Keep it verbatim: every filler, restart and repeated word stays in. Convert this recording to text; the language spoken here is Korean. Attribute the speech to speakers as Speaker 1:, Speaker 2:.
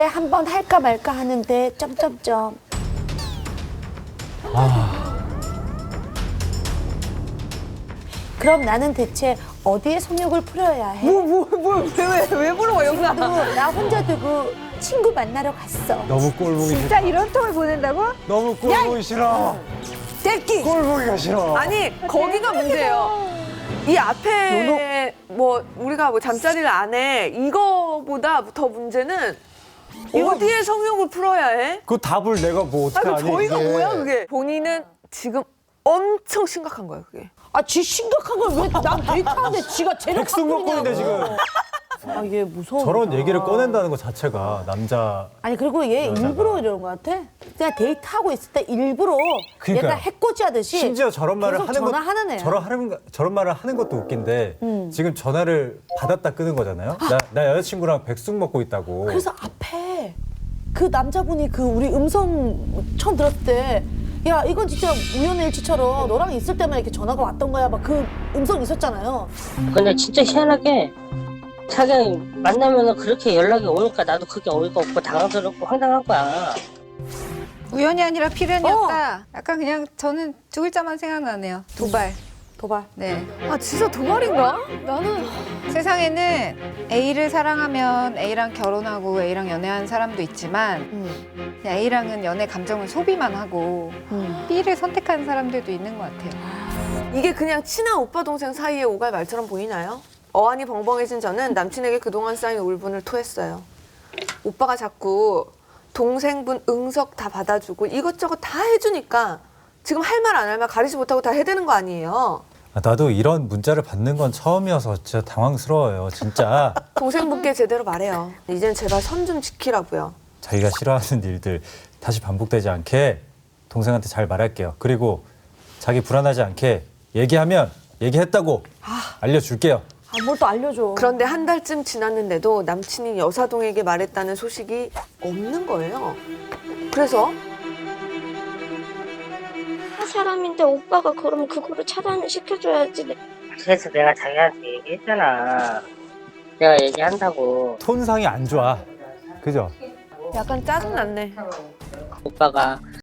Speaker 1: 한번 할까 말까 하는데 점점점.
Speaker 2: 아,
Speaker 1: 그럼 나는 대체 어디에 성욕을 풀어야 해?
Speaker 3: 뭐뭐뭐왜왜 물어봐 여기서?
Speaker 1: 나도 나 혼자 두고 친구 만나러 갔어.
Speaker 2: 너무 꼴 보기 싫어.
Speaker 3: 진짜 이런 통을 보낸다고?
Speaker 2: 너무 꼴 보기 싫어.
Speaker 3: 떼끼.
Speaker 2: 꼴 보기가 싫어.
Speaker 4: 아니 거기가 문제예요. 이 앞에 뭐 우리가 뭐 잠자리를 안 해 이거보다 더 문제는 어디에 성욕을 풀어야 해?
Speaker 2: 그 답을 내가 뭐 어떻게
Speaker 4: 아니
Speaker 2: 아니?
Speaker 4: 저희가
Speaker 2: 이게.
Speaker 4: 뭐야 그게? 본인은 지금 엄청 심각한 거예요 그게.
Speaker 1: 아, 지 심각한 걸 왜 난 데이트하는데 지가 제일
Speaker 2: 백숙 먹고 있는데 지금.
Speaker 1: 아, 얘 무서워.
Speaker 2: 저런 얘기를 꺼낸다는 것 자체가 남자.
Speaker 1: 아니 그리고 얘
Speaker 2: 여자가.
Speaker 1: 일부러 이러는 것 같아. 그냥 데이트하고 있을 때 일부러
Speaker 2: 그러니까요.
Speaker 1: 얘가 해코지 하듯이
Speaker 2: 심지어 저런 말을
Speaker 1: 계속
Speaker 2: 하는 것,
Speaker 1: 전화하는 애야.
Speaker 2: 저런 하는 저런 말을 하는 것도 웃긴데
Speaker 1: 음.
Speaker 2: 지금 전화를 받았다 끄는 거잖아요. 나, 나 여자친구랑 백숙 먹고 있다고.
Speaker 1: 그래서 앞에 그 남자분이 그 우리 음성 처음 들었을 때 야 이건 진짜 우연의 일치처럼 너랑 있을 때만 이렇게 전화가 왔던 거야 막 그 음성 있었잖아요.
Speaker 5: 근데 진짜 희한하게 자기 만나면 그렇게 연락이 오니까 나도 그게 어이가 없고 당황스럽고 황당한 거야.
Speaker 3: 우연이 아니라 필연이었다. 약간 그냥 저는 두 글자만 생각나네요. 도발.
Speaker 1: 도발.
Speaker 3: 네.
Speaker 4: 아 진짜 도발인가?
Speaker 3: 나는 세상에는 A를 사랑하면 A랑 결혼하고 A랑 연애한 사람도 있지만
Speaker 1: 음.
Speaker 3: 그냥 A랑은 연애 감정을 소비만 하고
Speaker 1: 음.
Speaker 3: B를 선택한 사람들도 있는 것 같아요.
Speaker 4: 이게 그냥 친한 오빠 동생 사이의 오갈 말처럼 보이나요? 어안이 벙벙해진 저는 남친에게 그동안 쌓인 울분을 토했어요. 오빠가 자꾸 동생분 응석 다 받아주고 이것저것 다 해주니까 지금 할 말 안 할 말 가리지 못하고 다 해대는 거 아니에요.
Speaker 2: 아, 나도 이런 문자를 받는 건 처음이어서 진짜 당황스러워요. 진짜
Speaker 4: 동생분께 제대로 말해요. 이젠 제발 선 좀 지키라고요.
Speaker 2: 자기가 싫어하는 일들 다시 반복되지 않게 동생한테 잘 말할게요. 그리고 자기 불안하지 않게 얘기하면 얘기했다고 알려줄게요.
Speaker 1: 아, 뭘 또 알려줘.
Speaker 4: 그런데 한 달쯤 지났는데도 남친이 여사동에게 말했다는 소식이 없는 거예요. 그래서
Speaker 6: 사람인데 오빠가 그럼 그거를 차단을 시켜줘야지.
Speaker 5: 그래서 내가 자기한테 얘기했잖아. 내가 얘기한다고.
Speaker 2: 톤상이 안 좋아. 그죠?
Speaker 4: 약간 짜증났네.
Speaker 5: 오빠가